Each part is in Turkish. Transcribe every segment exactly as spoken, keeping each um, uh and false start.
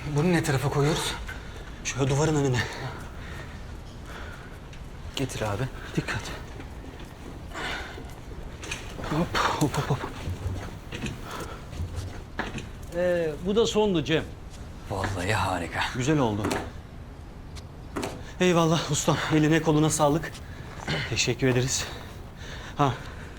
Bunu ne tarafa koyuyoruz? Şöyle duvarın önüne. Getir abi. Dikkat. Hop hop hop hop. Ee, bu da sondu Cem. Vallahi harika. Güzel oldu. Eyvallah ustam. Eline koluna sağlık. Teşekkür ederiz. Ha.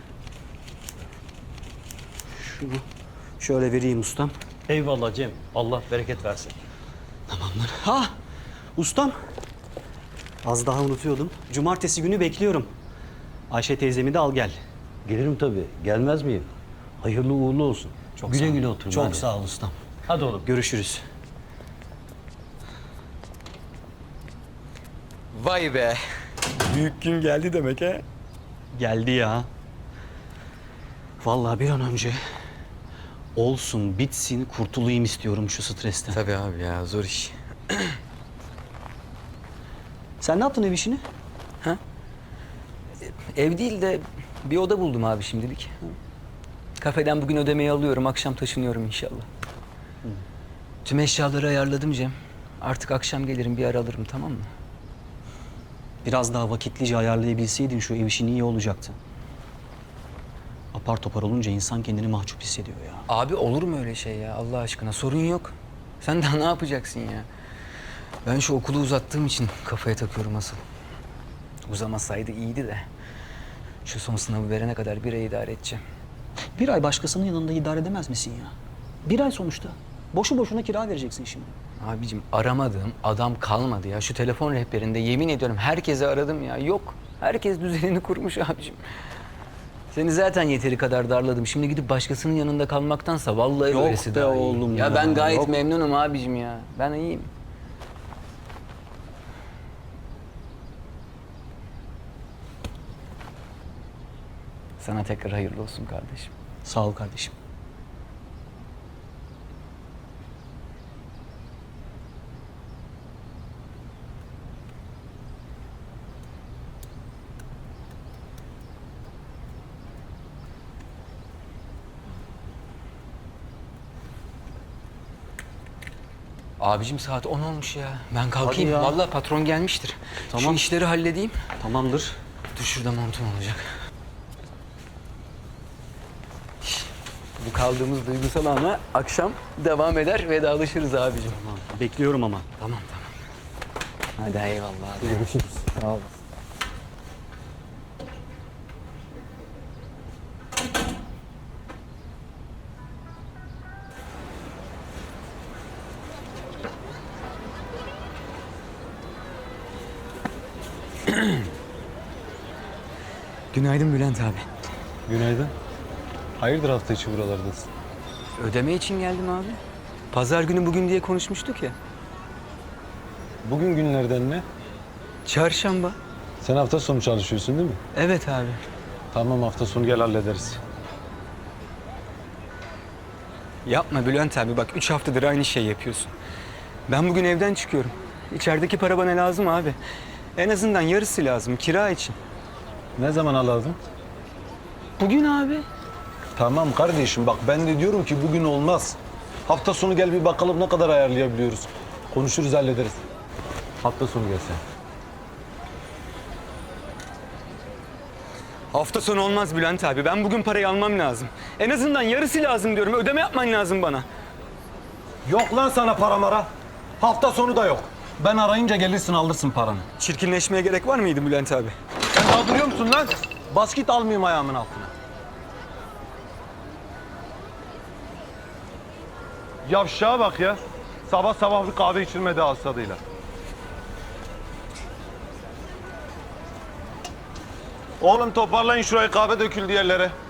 Şunu şöyle vereyim ustam. Eyvallah Cem. Allah bereket versin. Tamamdır. Ha! Ustam. Az daha unutuyordum. Cumartesi günü bekliyorum. Ayşe teyzemi de al gel. Gelirim tabii. Gelmez miyim? Hayırlı uğurlu olsun. Çok güle sağ ol. güle oturun. Çok hadi. sağ ol ustam. Hadi oğlum. Görüşürüz. Vay be. Büyük gün geldi demek ha. Geldi ya. Vallahi bir an önce olsun, bitsin, kurtulayım istiyorum şu stresten. Tabii abi ya, zor iş. Sen ne yaptın ev işini? Ev değil de bir oda buldum abi şimdilik. Kafeden bugün ödemeyi alıyorum, akşam taşınıyorum inşallah. Tüm eşyaları ayarladım Cem. Artık akşam gelirim, bir ara alırım, tamam mı? Biraz daha vakitlice ayarlayabilseydin şu ev işini iyi olacaktı. Apar topar olunca insan kendini mahcup hissediyor ya. Abi olur mu öyle şey ya Allah aşkına? Sorun yok. Sen daha ne yapacaksın ya? Ben şu okulu uzattığım için kafaya takıyorum asıl. Uzamasaydı iyiydi de. Şu son sınavı verene kadar bir ay idare edeceğim. Bir ay başkasının yanında idare edemez misin ya? Bir ay sonuçta. Boşu boşuna kira vereceksin şimdi. Abicim aramadığım adam kalmadı ya. Şu telefon rehberinde yemin ediyorum herkese aradım ya. Yok. Herkes düzenini kurmuş abicim. Seni zaten yeteri kadar darladım. Şimdi gidip başkasının yanında kalmaktansa vallahi Yok öylesi be daha iyi. oğlum ya. ya, ben gayet yok. memnunum abicim ya. Ben iyiyim. Sana tekrar hayırlı olsun kardeşim. Sağ ol kardeşim. Abicim saat on olmuş ya. Ben kalkayım. Hadi ya. Vallahi patron gelmiştir. Tamam. Şu işleri halledeyim. Tamamdır. Dur şurada montum olacak. Bu kaldığımız duygusal ana akşam devam eder, vedalaşırız abicim. Tamam. Bekliyorum ama. Tamam tamam. Hadi eyvallah abi. Görüşürüz. Sağ ol. Günaydın Bülent abi. Günaydın. Hayırdır hafta içi buralardasın? Ödeme için geldim abi. Pazar günü bugün diye konuşmuştuk ya. Bugün günlerden ne? Çarşamba. Sen hafta sonu çalışıyorsun değil mi? Evet abi. Tamam hafta sonu gel hallederiz. Yapma Bülent abi, bak üç haftadır aynı şey yapıyorsun. Ben bugün evden çıkıyorum. İçerideki para bana lazım abi. En azından yarısı lazım kira için. Ne zaman alalım? Bugün abi. Tamam kardeşim bak ben de diyorum ki bugün olmaz. Hafta sonu gel bir bakalım ne kadar ayarlayabiliyoruz. Konuşuruz hallederiz. Hafta sonu gel sen. Hafta sonu olmaz Bülent abi. Ben bugün parayı almam lazım. En azından yarısı lazım diyorum. Ödeme yapman lazım bana. Yok lan sana para mara. Hafta sonu da yok. Ben arayınca gelirsin alırsın paranı. Çirkinleşmeye gerek var mıydı Bülent abi? Sen daha duruyor musun lan? Bas git almayayım ayağımın altına. Yavşağa bak ya. Sabah sabah bir kahve içilmedi hasadıyla. Oğlum toparlayın şurayı, kahve döküldü yerlere.